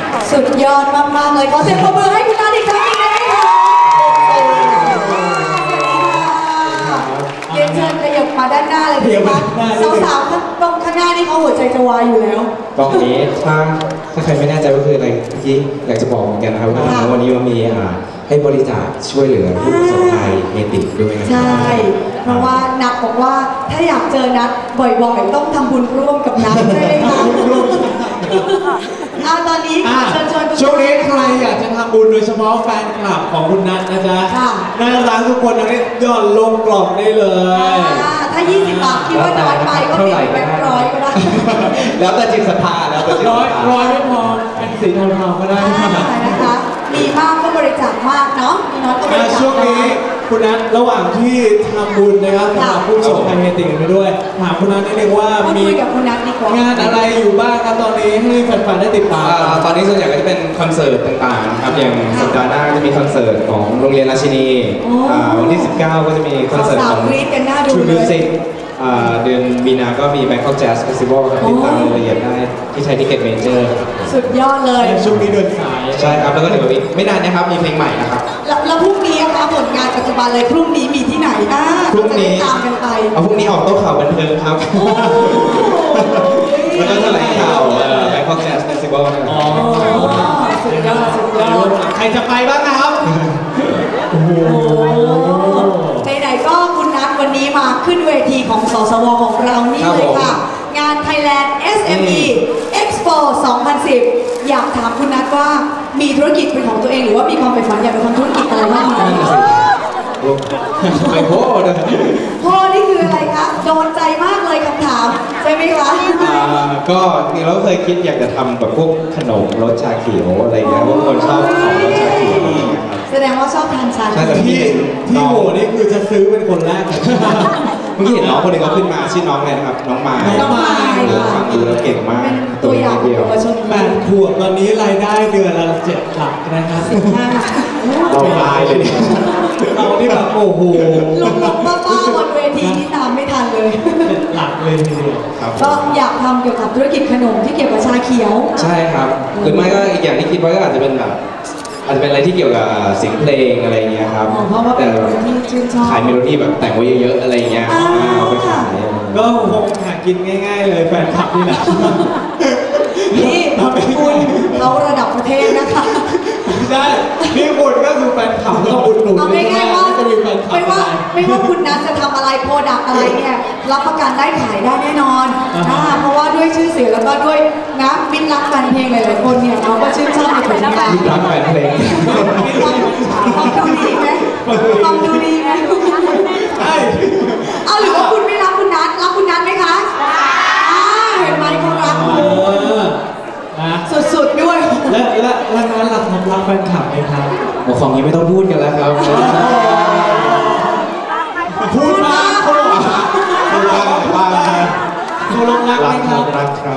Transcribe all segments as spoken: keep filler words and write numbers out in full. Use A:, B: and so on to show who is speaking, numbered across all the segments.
A: สุดยอดมากๆเลยขอเสียงปรบมือให้คุณนัทอีกครั้งหนึ่งได้ไหมคะเรียนเชิญขยับมาด้านหน้าเลยดีมั้ยสาวๆตรงข้างหน้านี่เขาหัวใจจะวายอยู่แล้ว
B: ตรงนี้ถ้าถ้าใครไม่แน่ใจว่าคืออะไรที่อยากจะบอกเหมือนกันนะครับว่าวันนี้เรามีให้บริจาคช่วยเหลือผู้ประสบภัยเฮติด้วยนะครับ
A: ใช่เพราะว่านัทบอกว่าถ้าอยากเจอนัทบ่อยๆต้องทำบุญร่วมกับนัทใช่ไหมคะอ่าตอนนี้เชิญชวน
C: ช่วงนี้ใครอยากจะทำบุญโดยเฉพาะแฟนคลับของคุณนัทนะจ๊ะน่ารักทุกคนนี้ย่อนลงกล่องได้เลย
A: ถ้ายี่สิบบาทคิดว่าน้อยไปก็เปลี่ยนแบงค์ร้อยก็ได้
B: แล้วแต่จิตศรัทธาแล้วแต่
C: ร้อยร้อยไม่พอเป็นสีเทาๆก็ได้
A: นะคะมีมากก็บริจาคมากเนาะมีน้อยก็บริจาค
C: ช่วงนี้คุณนัทระหว่างที่ทำบุญนะครับสำหรับผู้ประสบภัยเฮติกันไปด้วยถามคุณนัทนิดนึงว่ามีงานอะไรอยู่บ้างครับตอนนี้ให้แฟนๆได้ติดตาม
B: ตอนนี้ส่วนใหญ่ก็จะเป็นคอนเสิร์ตต่างๆครับอย่างสัปดาห์หน้าจะมีคอนเสิร์ตของโรงเรียนราชินีวันที่สิบเก้าก็จะมีคอนเสิร์ตของ True Music เดือนมีนาก็มี Bangkok Jazz Festival ครับติดตามรายละเอียดได้ที่ไทยทิเก็ตเมเจอร์
A: สุดยอดเลย
C: ช่วงนี้เดินสาย
B: ใช่ครับแล้วก็เดี๋ยวไม่นานนะครับมีเพลงใหม่นะครับ
A: แล้วพรุ่งนี้นะคะผลงานปัจจุบันเลยพรุ่งนี้มีที่ไหนนะ
B: พรุ่งนี้
A: ตามกันไป
B: เอาพรุ่งนี้ออกโต๊ะข่าวบันเทิงครับแล้วก็แถลงข่าว Bangkok Jazz Festival
A: อ๋อสุดยอดสุดยอด
C: ใครจะไปบ้างครับ
A: โอ้โหไหนๆก็คุณนัทวันนี้มาขึ้นเวทีของสสวของเรานี่เลยค่ะงาน Thailand เอส เอ็ม อี Expo สองพันสิบอยากถามคุณนัทว่ามีธุรกิจเป็นของตัวเองหรือว่ามีความใฝ่ฝันอยากจะทำธุรกิจอะไรบ้างไหม
B: ไม่โหด
A: พ่อนี่คืออะไรคะโดนใจมากเลยคำถามใช่ไหมคะ
B: ก็จริงๆเราเคยคิดอยากจะทำแบบพวกขนมรสชาเขียวอะไรเงี้ยพวกคนชอบของรสชาเขียว
A: แสดงว่าชอบทานชา
C: ที่ที่โหนี่คือจะซื้อเป็นคนแรก
B: เมื่อกี้เห็นน้องคนหนึ่งเขาขึ้นมาชื่อน้องอะไรนะครับน้องไม้
A: น้องไม้
B: ฟังดูแล้วเก่งมาก
A: ตัวอย่างเดียว
C: แปดขวบตอนนี้รายได้เดือนละเจ็ดหลักนะครับ
B: เราตายเลย
C: เราที่แบบโอ้โห
A: ลุงลุงป้าป้าบนเวทีนี่ตามไม่ทันเลย
C: หลักเลยทีเดียว
A: ก็อยากทำเกี่ยวกับธุรกิจขนมที่เกี่ยวกับชาเขียว
B: ใช่ครับหรือไม่ก็อีกอย่างที่คิดไว้ก็อาจจะเป็นแบบอาจจะเป็นอะไรที่เกี่ยวกับเสียงเพลงอะไรเงี้ยครับ
A: แต่
B: ขายเมโลดี้แบบแต่งไว้เยอะๆอะไรเงี้ยเอาไปขาย
C: ก็คงหากินง่ายๆเลยแฟนคลับนี่แหละ
A: นี่คุณเขาระดับประเทศนะคะ
C: ใช่นี่คุณก็คือแฟนคลับก็อุดหนุน
A: เอาง่ายๆว่าไม่ว่าไม่ว่าคุณนัทจะทำอะไรโปรดักอะไรเนี่ยรับประกันได้ขายได้แน่นอนเพราะว่าด้วยชื่อเสียงแล้วก็ด้วยนะมิตรรักแฟนเพลงหลายๆคนเนี่ยเขาก็ชื่นชอบในผลงาน
B: มิตรรักแฟนเพลง
A: ฟังดูดีไหมฟังดูดีไหม
C: ใช่
A: เอาหรือว่าคุณไม่รักคุณนัทรักคุณนัทไหมคะเห็นไหมเขารักสุดๆด้วย
C: และและและนั้นหลักของรักแฟนคลับไหมครับ
B: ของนี้ไม่ต้องพูดกันแล้วครับ
C: พูดมาเขาบอกว่าเขาลงรักไหมครับ
B: รักครับ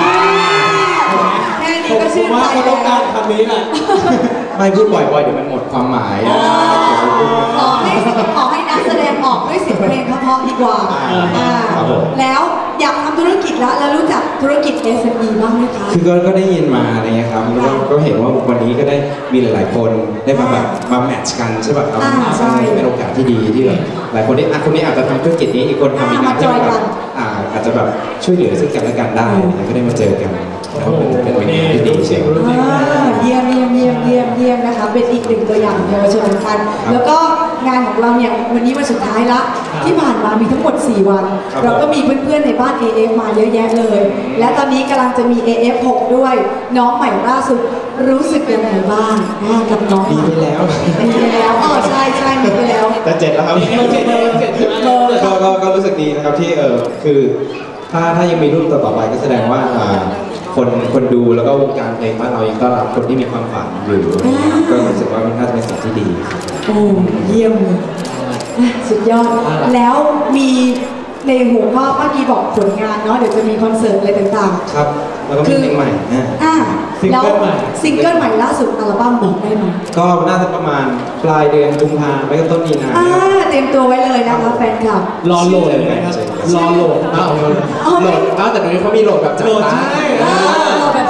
A: แค่นี้ก็ชื่นใจ
C: เขาต้องการคำนี้แหละ
B: ไม่พูดบ่อยๆเดี๋ยวมันหมดความหมาย
A: ขอให้ขอให้นักแสดงออกด้วยเสียงเพลงเพราะๆดีกว่าแล้วอยากทำธุรกิจแล้วแล้วรู้จักธุรกิจ เอส เอ็ม อี บ้างไหมคะ
B: คือก็ได้ยินมาอะไรเงี้ยครับก็เห็นว่าวันนี้ก็ได้มีหลายๆคนได้มาแบบมาแมทช์กันใช่ป่ะครับเป็นโอกาสที่ดีที่แบบหลายคนที่คนนี้อาจจะทำธุรกิจนี้อีกคนทำอีกงานที่แบบอาจจะแบบช่วยเหลือซึ่งกันและกันได้แล้วก็ได้มาเจอกันแล้วเป็นเป็นที่ดีเชียว
A: เยี่ยมเยี่ยมเยี่ยมเยี่ยมเยี่ยมนะคะเป็นอีกหนึ่งตัวอย่างเยาวชนเหมือนกันแล้วก็งานของเราเนี่ยวันนี้วันสุดท้ายละที่ผ่านมามีทั้งหมดสี่วันเราก็มีเพื่อนๆในบ้าน เอ เอฟ มาเยอะแยะเลยและตอนนี้กำลังจะมี เอ เอฟ หก ด้วยน้องใหม่ล่าสุดรู้สึกยังไงบ้างกับน้อง
B: มีไปแล้ว
A: มีไปแล้วอ๋อใช่ใช่มีไปแล้ว
B: แต่เจ็ดแล้วครับเจ็ดเจ็ดก็ก็รู้สึกดีนะครับที่เออคือถ้าถ้ายังมีรุ่นต่อๆไปก็แสดงว่าคนคนดูแล้วก็วงการเพลงบ้านเรายังต้อนรับคนที่มีความฝันอยู่ก็รู้สึกว่ามันน่าจะเป็นสิ่งที่ดี
A: โอ้เยี่ยมสุดยอดแล้วมีในหัวข้อเมื่อกี้บอกผลงานเนาะเดี๋ยวจะมีคอนเสิร์ตอะไรต่าง
B: ๆครับแล้วก็มีเพลงใหม่
A: อ่าแล้วซิงเกิลใหม่ล่าสุดอัลบั้มบอกได้ไหม
B: ก็น่าจะประมาณปลายเดือนกุมภาพันธ์ไม่ก็ต้นมีนา
A: อ่าเตรียมตัวไว้เลยนะคะแฟนคลับ
C: รอโหลดเลยนะครับรอโหลดเอาโหลด
B: อ้าวแต่ตอนนี้เขามีโหลดแบบจัด
A: ตั้งโหลดแบบเสี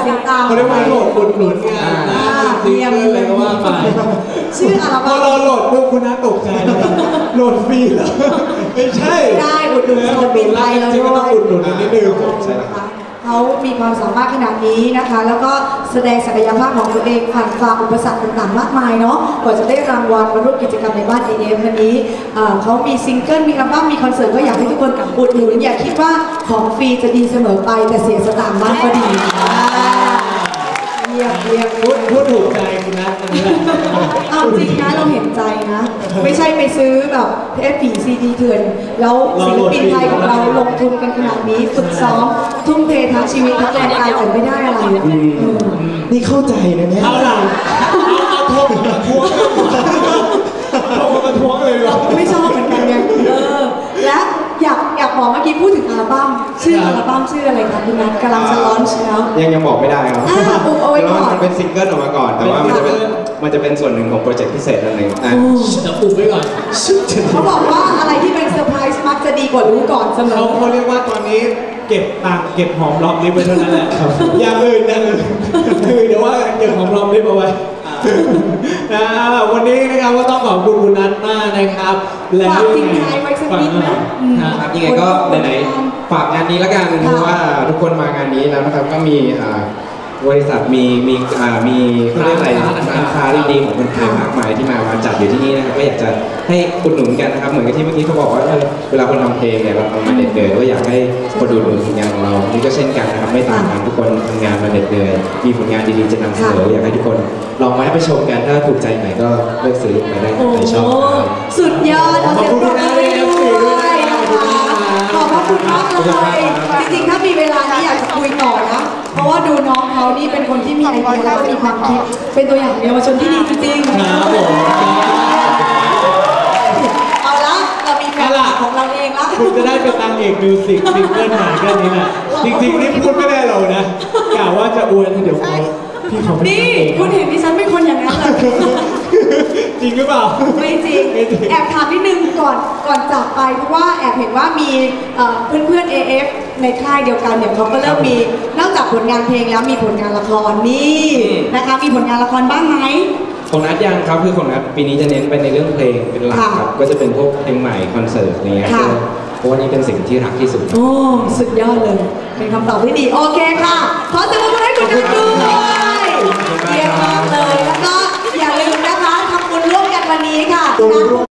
A: สียงตาม
C: เขาเรียกว่าโหลดอุดหนุนงานนะซิงเกิลอะไรก็ว่าไป
A: ชื่ออัล
C: พอ
A: บั้ม
C: เราโหลดปุ๊บคุณน้าตกใจเลยโหลดฟรีเหรอไม่ใช่
A: ได้อุดหนุนศิลปินไทยเรา
C: จริง
A: ด้
C: ก็
A: ว
C: ต้อง
A: ย
C: อุดหนุนนิดนึง
B: ใช่ครับ
A: เขามีความสามารถขนาดนี้นะคะ แล้วก็แสดงศักยภาพของตัวเองผ่านฝ่าอุปสรรคต่างๆมากมายเนาะกว่าจะได้รางวัลมาร่วมกิจกรรมในบ้าน เอ เอฟ วันนี้เอ่อเขามีซิงเกิลมีอัลบั้มมีคอนเสิร์ตก็อยากให้ทุกคนอุดหนุนอย่าคิดว่าของฟรีจะดีเสมอไปแต่เสียสตางค์บ้างก็ดีเยี่ยมเยี่ยม
C: พูดพูดถูกใจคุณนัทอันนี้แหละ
A: เอาจริงนะเราเห็นใจนะ ไม่ใช่ไปซื้อแบบเทปผีซีดีเถื่อนแล้วศิลปินไทยของเราลงทุนกันขนาดนี้ฝึกซ้อมทุ่มเททั้งชีวิตทั้งแรงกายแต่ไม่ได้อะไรอะเออ
B: นี่เข้าใจนะเนี่ย
C: เอาหลังเอาเอาโทษมาทวงโทษมาทวงเลยเหรอ
A: ไม่ชอบเหมือนกันไงเออและอยากอยากบอกเมื่อกี้พูดถึงอัลบั้มชื่ออัลบั้มชื่ออะไรคะคุณนัทกำลังจะลอนช์แล้ว
B: ยังยังบอกไม่ได้ครับ
A: อ่าอุบเอาไว้ก่อน
B: พราะมันเป็นซิงเกิลออกมาก่อน แต่ว่ามันจะเป็นมันจะเป็นส่วนหนึ่งของโปรเจกต์พิเศษอันหนึ่งอ่ะ
A: โอ้
C: จะอุบไว้ก่อน
A: เขาบอกว่าอะไรที่เป็นเซอร์ไพรส์มักจะดีกว่ารู้ก่อนเสม
C: เขา
A: อ
C: เขาเรียกว่าตอนนี้เก็บตังค์เก็บหอมรอมริบไว้เท่านั้นแหละอย่างอื่นอย่างอื่นคือเดี๋ยวว่าเก็บหอมรอมริบเอาไว้นะวันนี้นะครับก็ต้องขอบคุณคุณนัทมากนะครับ
A: ฝากทิ้งท้ายไว้สักนิดไหมอืม
B: ครับยังไงก็ไหนๆฝากงานนี้แล้วกันเพราะว่าทุกคนมางานนี้แล้วนะครับก็มีอ่าบริษัทมีมีอ่ามีเขาเรียกอะไรร้านค้าดีๆของคนไทยมากมายที่มามาจัดอยู่ที่นี่นะครับก็อยากจะให้อุดหนุนกันนะครับเหมือนกับที่เมื่อกี้เขาบอกว่าเออเวลาคนทำเพลงเนี่ยเราทำมาเหน็ดเหนื่อยก็อยากให้คนอุดหนุนผลงานของเรานี่ก็เช่นกันนะครับไม่ต่างกันทุกคนทำงานมาเหน็ดเหนื่อยมีผลงานดีๆจะนำเสนออยากให้ทุกคนลองมาให้ไปชมกันถ้าถูกใจไหนก็เลือกซื้อไปได้
A: โอ้
B: ในชอบครับ
A: สุดยอดเอาเสียงปรบมือให้ด้วยนะคะขอบพระคุณมากเลยจริงๆถ้ามีเวลานี้อยากจะคุยต่อนะเพราะว่าดูน้องเขานี่เป็นคนที่มีไอเดียแล้วก็มีความคิดเป็นตัวอย่างเยาวชนที่ดีจริงๆ
C: ครับผม
A: เอาละเรามีแฟนคลับของเราเองละ
C: คุณจะได้เป็นนางเอกมิวสิกซิงเกิลหาแค่นี้นะจริงๆนี่พูดไม่ได้เรานะกล่าวว่าจะอวยเดี๋ยวเขาพี่เขาไม่
A: นี่
C: ได้เอง
A: คุณเห็นดิฉันเป็นคนอย่างนั้นเหรอ
C: จริงหรือเปล่า
A: ไม่จริง แอบถามนิดนึงก่อนก่อนจากไปเพราะว่าแอบเห็นว่ามีเอ่อเพื่อนๆ เอ เอฟ ในค่ายเดียวกันเนี่ยเขาก็เริ่มมีนอกจากผลงานเพลงแล้วมีผลงานละครนี่นะคะมีผลงานละครบ้างไหม
B: ของนัดยังครับคือของนัดปีนี้จะเน้นไปในเรื่องเพลงเป็นหลักครับก็จะเป็นพวกเพลงใหม่คอนเสิร์ตอะไรเงี้ย
A: ค่ะ
B: เพราะว่านี่เป็นสิ่งที่รักที่สุด
A: โอ้สุดยอดเลย เป็นคำตอบที่ดี โอเคค่ะ ขอเสียงปรบมือให้คุณนัทด้วยเยี่ยมมากเลย แล้วก็อย่าลืมนะคะทำบุญร่วมกันวันนี้ค่ะ